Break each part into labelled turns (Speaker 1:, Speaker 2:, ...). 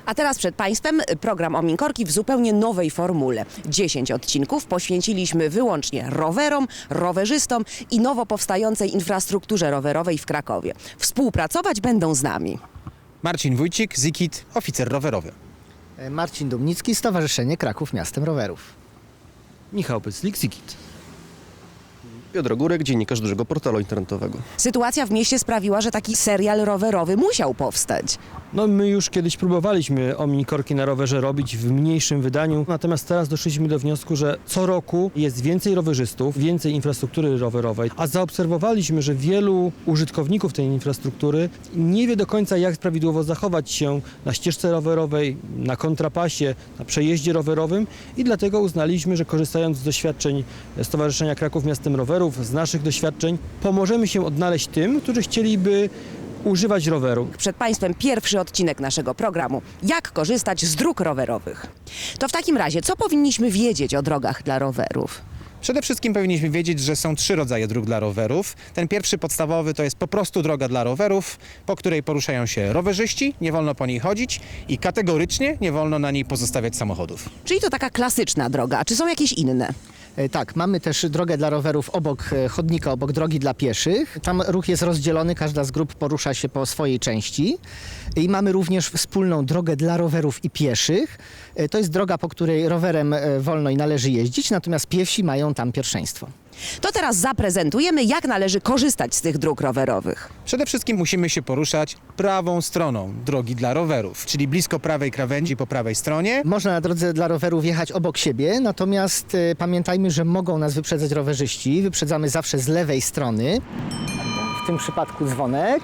Speaker 1: A teraz przed Państwem program Ominkorki w zupełnie nowej formule. 10 odcinków poświęciliśmy wyłącznie rowerom, rowerzystom i nowo powstającej infrastrukturze rowerowej w Krakowie. Współpracować będą z nami
Speaker 2: Marcin Wójcik, Zikit, oficer rowerowy.
Speaker 3: Marcin Dumnicki, Stowarzyszenie Kraków Miastem Rowerów.
Speaker 4: Michał Pyclik, Zikit.
Speaker 5: Piotr Górek, dziennikarz dużego portalu internetowego.
Speaker 1: Sytuacja w mieście sprawiła, że taki serial rowerowy musiał powstać.
Speaker 4: No my już kiedyś próbowaliśmy Ominkorki na rowerze robić w mniejszym wydaniu, natomiast teraz doszliśmy do wniosku, że co roku jest więcej rowerzystów, więcej infrastruktury rowerowej, a zaobserwowaliśmy, że wielu użytkowników tej infrastruktury nie wie do końca, jak prawidłowo zachować się na ścieżce rowerowej, na kontrapasie, na przejeździe rowerowym i dlatego uznaliśmy, że korzystając z doświadczeń Stowarzyszenia Kraków Miastem Rowerów, z naszych doświadczeń, pomożemy się odnaleźć tym, którzy chcieliby używać roweru.
Speaker 1: Przed Państwem pierwszy odcinek naszego programu. Jak korzystać z dróg rowerowych? To w takim razie, co powinniśmy wiedzieć o drogach dla rowerów?
Speaker 2: Przede wszystkim powinniśmy wiedzieć, że są 3 rodzaje dróg dla rowerów. Ten pierwszy podstawowy to jest po prostu droga dla rowerów, po której poruszają się rowerzyści, nie wolno po niej chodzić i kategorycznie nie wolno na niej pozostawiać samochodów.
Speaker 1: Czyli to taka klasyczna droga, a czy są jakieś inne?
Speaker 3: Tak, mamy też drogę dla rowerów obok chodnika, obok drogi dla pieszych. Tam ruch jest rozdzielony, każda z grup porusza się po swojej części. I mamy również wspólną drogę dla rowerów i pieszych. To jest droga, po której rowerem wolno i należy jeździć, natomiast piesi mają tam pierwszeństwo.
Speaker 1: To teraz zaprezentujemy, jak należy korzystać z tych dróg rowerowych.
Speaker 2: Przede wszystkim musimy się poruszać prawą stroną drogi dla rowerów, czyli blisko prawej krawędzi po prawej stronie.
Speaker 3: Można na drodze dla rowerów jechać obok siebie, natomiast pamiętajmy, że mogą nas wyprzedzać rowerzyści. Wyprzedzamy zawsze z lewej strony. W tym przypadku dzwonek.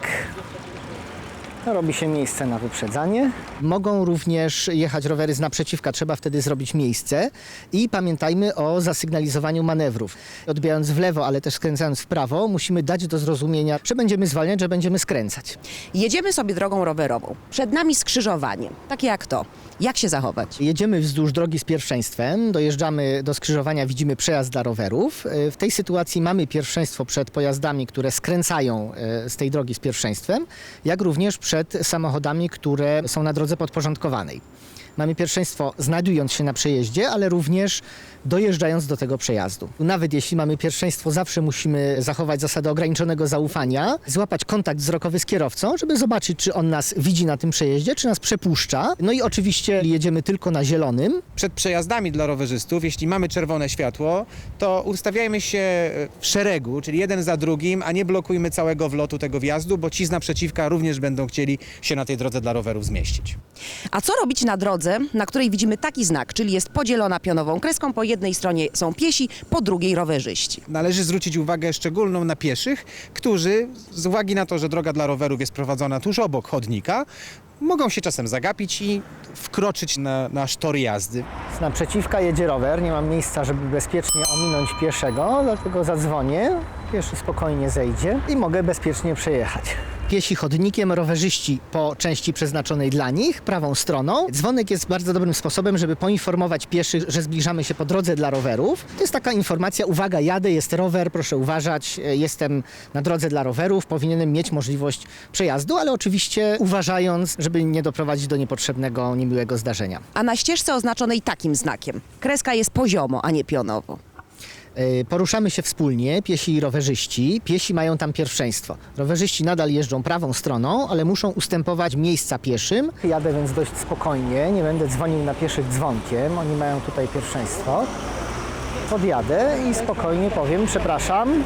Speaker 3: Robi się miejsce na wyprzedzanie. Mogą również jechać rowery z naprzeciwka, trzeba wtedy zrobić miejsce. I pamiętajmy o zasygnalizowaniu manewrów. Odbijając w lewo, ale też skręcając w prawo, musimy dać do zrozumienia, że będziemy zwalniać, że będziemy skręcać.
Speaker 1: Jedziemy sobie drogą rowerową. Przed nami skrzyżowanie, takie jak to. Jak się zachować?
Speaker 3: Jedziemy wzdłuż drogi z pierwszeństwem, dojeżdżamy do skrzyżowania, widzimy przejazd dla rowerów. W tej sytuacji mamy pierwszeństwo przed pojazdami, które skręcają z tej drogi z pierwszeństwem, jak również przed samochodami, które są na drodze podporządkowanej. Mamy pierwszeństwo znajdując się na przejeździe, ale również dojeżdżając do tego przejazdu. Nawet jeśli mamy pierwszeństwo, zawsze musimy zachować zasadę ograniczonego zaufania, złapać kontakt wzrokowy z kierowcą, żeby zobaczyć, czy on nas widzi na tym przejeździe, czy nas przepuszcza. No i oczywiście jedziemy tylko na zielonym.
Speaker 2: Przed przejazdami dla rowerzystów, jeśli mamy czerwone światło, to ustawiajmy się w szeregu, czyli jeden za drugim, a nie blokujmy całego wlotu tego wjazdu, bo ci z naprzeciwka również będą chcieli się na tej drodze dla rowerów zmieścić.
Speaker 1: A co robić na drodze, na której widzimy taki znak, czyli jest podzielona pionową kreską, po jednej stronie są piesi, po drugiej rowerzyści?
Speaker 2: Należy zwrócić uwagę szczególną na pieszych, którzy z uwagi na to, że droga dla rowerów jest prowadzona tuż obok chodnika, mogą się czasem zagapić i wkroczyć na nasz tor jazdy.
Speaker 3: Z naprzeciwka jedzie rower, nie mam miejsca, żeby bezpiecznie ominąć pieszego, dlatego zadzwonię, pieszy spokojnie zejdzie i mogę bezpiecznie przejechać. Piesi chodnikiem, rowerzyści po części przeznaczonej dla nich, prawą stroną. Dzwonek jest bardzo dobrym sposobem, żeby poinformować pieszych, że zbliżamy się po drodze dla rowerów. To jest taka informacja, uwaga, jadę, jest rower, proszę uważać, jestem na drodze dla rowerów, powinienem mieć możliwość przejazdu, ale oczywiście uważając, żeby nie doprowadzić do niepotrzebnego, niemiłego zdarzenia.
Speaker 1: A na ścieżce oznaczonej takim znakiem. Kreska jest poziomo, a nie pionowo.
Speaker 3: Poruszamy się wspólnie, piesi i rowerzyści. Piesi mają tam pierwszeństwo. Rowerzyści nadal jeżdżą prawą stroną, ale muszą ustępować miejsca pieszym. Jadę więc dość spokojnie, nie będę dzwonił na pieszych dzwonkiem. Oni mają tutaj pierwszeństwo. Podjadę i spokojnie powiem, przepraszam.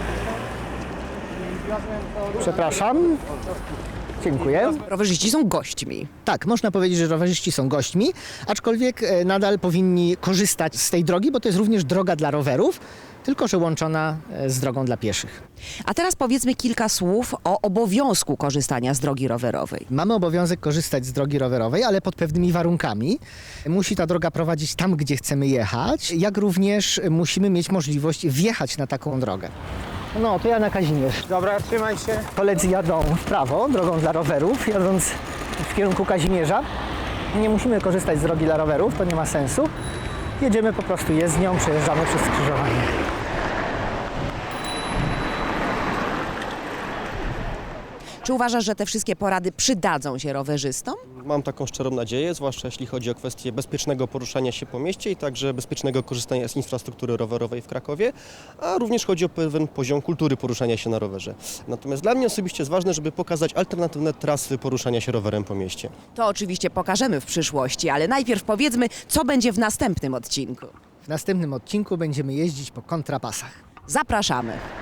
Speaker 3: Przepraszam. Dziękuję.
Speaker 1: Rowerzyści są gośćmi.
Speaker 3: Tak, można powiedzieć, że rowerzyści są gośćmi, aczkolwiek nadal powinni korzystać z tej drogi, bo to jest również droga dla rowerów, tylko że łączona z drogą dla pieszych.
Speaker 1: A teraz powiedzmy kilka słów o obowiązku korzystania z drogi rowerowej.
Speaker 3: Mamy obowiązek korzystać z drogi rowerowej, ale pod pewnymi warunkami. Musi ta droga prowadzić tam, gdzie chcemy jechać, jak również musimy mieć możliwość wjechać na taką drogę. No, to ja na Kazimierz.
Speaker 2: Dobra, trzymaj się.
Speaker 3: Koledzy jadą w prawo, drogą dla rowerów, jadąc w kierunku Kazimierza. Nie musimy korzystać z drogi dla rowerów, to nie ma sensu. Jedziemy po prostu jezdnią, przejeżdżamy przez skrzyżowanie.
Speaker 1: Czy Czy uważasz, że te wszystkie porady przydadzą się rowerzystom?
Speaker 5: Mam taką szczerą nadzieję, zwłaszcza jeśli chodzi o kwestię bezpiecznego poruszania się po mieście i także bezpiecznego korzystania z infrastruktury rowerowej w Krakowie, a również chodzi o pewien poziom kultury poruszania się na rowerze. Natomiast dla mnie osobiście jest ważne, żeby pokazać alternatywne trasy poruszania się rowerem po mieście.
Speaker 1: To oczywiście pokażemy w przyszłości, ale najpierw powiedzmy, co będzie w następnym odcinku.
Speaker 3: W następnym odcinku będziemy jeździć po kontrapasach.
Speaker 1: Zapraszamy.